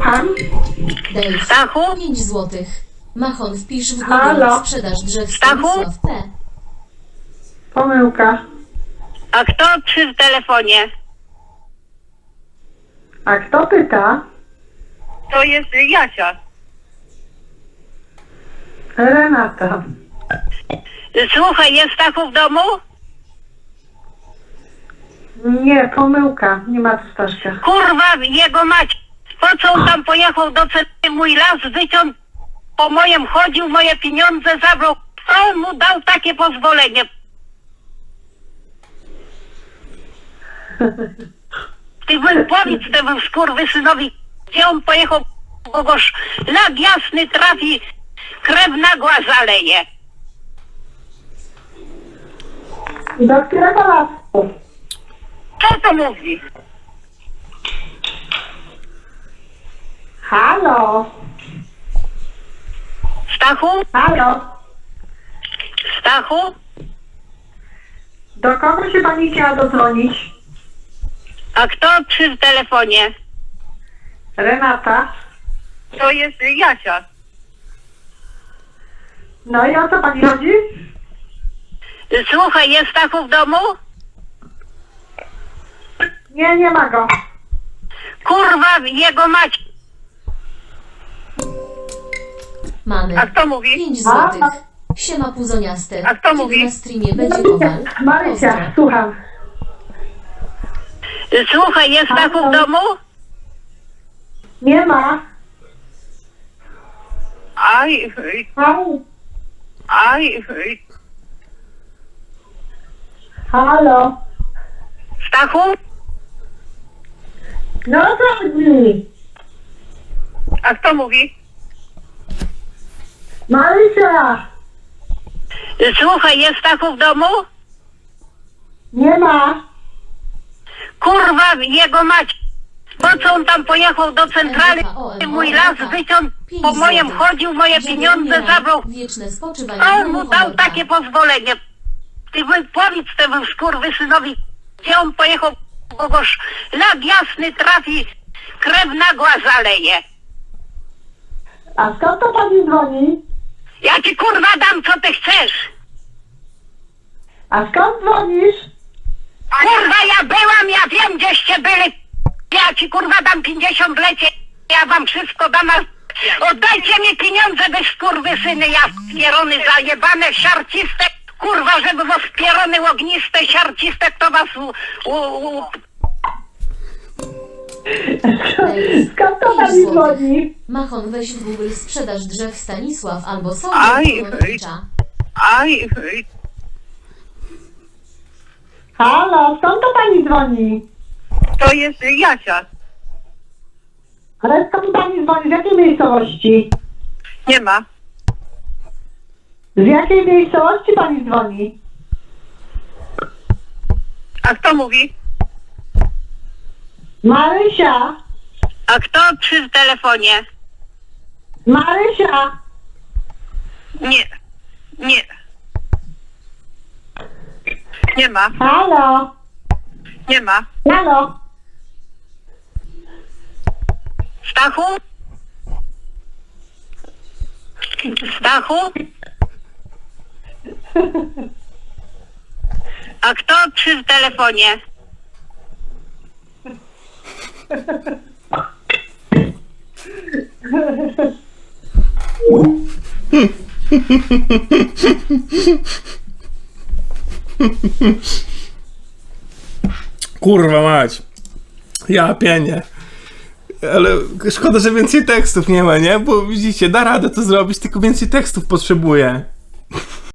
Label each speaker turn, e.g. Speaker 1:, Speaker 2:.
Speaker 1: Słucham.
Speaker 2: Dave,
Speaker 3: Stachu?
Speaker 2: 5 złotych. Machon, wpisz w
Speaker 1: Halo?
Speaker 2: Google sprzedaż drzew
Speaker 3: Stachu?
Speaker 2: Stanisław P.
Speaker 1: Pomyłka.
Speaker 3: A kto przy telefonie?
Speaker 1: A kto pyta?
Speaker 3: To jest Jasia.
Speaker 1: Renata.
Speaker 3: Słuchaj, jest Stachu w domu?
Speaker 1: Nie, pomyłka. Nie ma tu Staszka.
Speaker 3: Kurwa, jego mać. Po co on tam pojechał do ceny? Mój las wyciął, po mojem chodził, moje pieniądze zabrał. Kto mu dał takie pozwolenie? Ty powiedz temu skurwysynowi, gdzie on pojechał, bo go szlak jasny trafi, krew nagła zaleje.
Speaker 1: Do którego lasu?
Speaker 3: Co to mówi?
Speaker 1: Halo?
Speaker 3: Stachu?
Speaker 1: Halo?
Speaker 3: Stachu?
Speaker 1: Do kogo się pani chciała dodzwonić?
Speaker 3: A kto przy telefonie?
Speaker 1: Renata.
Speaker 3: To jest Jasia.
Speaker 1: No i o co pani chodzi?
Speaker 3: Słuchaj, jest Stachu w domu?
Speaker 1: Nie, nie ma go.
Speaker 3: Kurwa, jego mać.
Speaker 2: Mamy.
Speaker 3: A kto mówi?
Speaker 2: 5 złotych. Siema puzoniaste.
Speaker 3: A kto
Speaker 2: Kiedy
Speaker 3: mówi?
Speaker 2: na streamie będzie kowal?
Speaker 1: Marysia,
Speaker 2: Pozdro.
Speaker 1: słucham.
Speaker 3: Słuchaj, jest Stachu w domu?
Speaker 1: Nie ma.
Speaker 3: Aj, aj.
Speaker 1: Halo?
Speaker 3: Stachu?
Speaker 1: No o co chodzi?
Speaker 3: A kto mówi?
Speaker 1: Marysia!
Speaker 3: Słuchaj, jest Stachu w domu?
Speaker 1: Nie ma.
Speaker 3: Kurwa, jego mać. Po co on tam pojechał do centrali? Mój las wyciął, po mojem chodził, moje pieniądze zabrał.
Speaker 2: Wieczne spoczywanie.
Speaker 3: Kto mu dał takie pozwolenie? Ty powiedz temu skurwysynowi, gdzie on pojechał, bo go szlak jasny trafi, krew nagła zaleje.
Speaker 1: A skąd to pani dzwoni?
Speaker 3: Ja ci kurwa dam, co ty chcesz.
Speaker 1: A skąd dzwonisz?
Speaker 3: Kurwa, ja byłam, ja wiem, gdzieście byli. Ja ci kurwa dam 50 lecie, ja wam wszystko dam. Oddajcie mi pieniądze, wy skurwysyny, ja spierony, zajebane, siarciste. Kurwa, żeby was spierony, ogniste, siarciste, kto was
Speaker 1: Skąd to
Speaker 2: 5
Speaker 1: pani
Speaker 2: złotych.
Speaker 1: dzwoni?
Speaker 2: Machon, weź w Google sprzedaż drzew Stanisław albo
Speaker 3: Aj,
Speaker 2: Sądowicza.
Speaker 3: Aj,
Speaker 1: Halo, skąd to pani dzwoni?
Speaker 3: to jest Jasia.
Speaker 1: Ale skąd pani dzwoni? Z jakiej miejscowości?
Speaker 3: Nie ma.
Speaker 1: Z jakiej miejscowości pani dzwoni?
Speaker 3: A kto mówi?
Speaker 1: Marysia!
Speaker 3: A kto przy telefonie?
Speaker 1: Marysia!
Speaker 3: Nie, nie. Nie ma,
Speaker 1: Halo!
Speaker 3: nie ma.
Speaker 1: Halo!
Speaker 3: Stachu? Stachu? A kto przy telefonie?
Speaker 4: Kurwa mać. Ja pienię. Ale szkoda, że więcej tekstów nie ma, nie? Bo widzicie, da radę to zrobić, tylko więcej tekstów potrzebuję.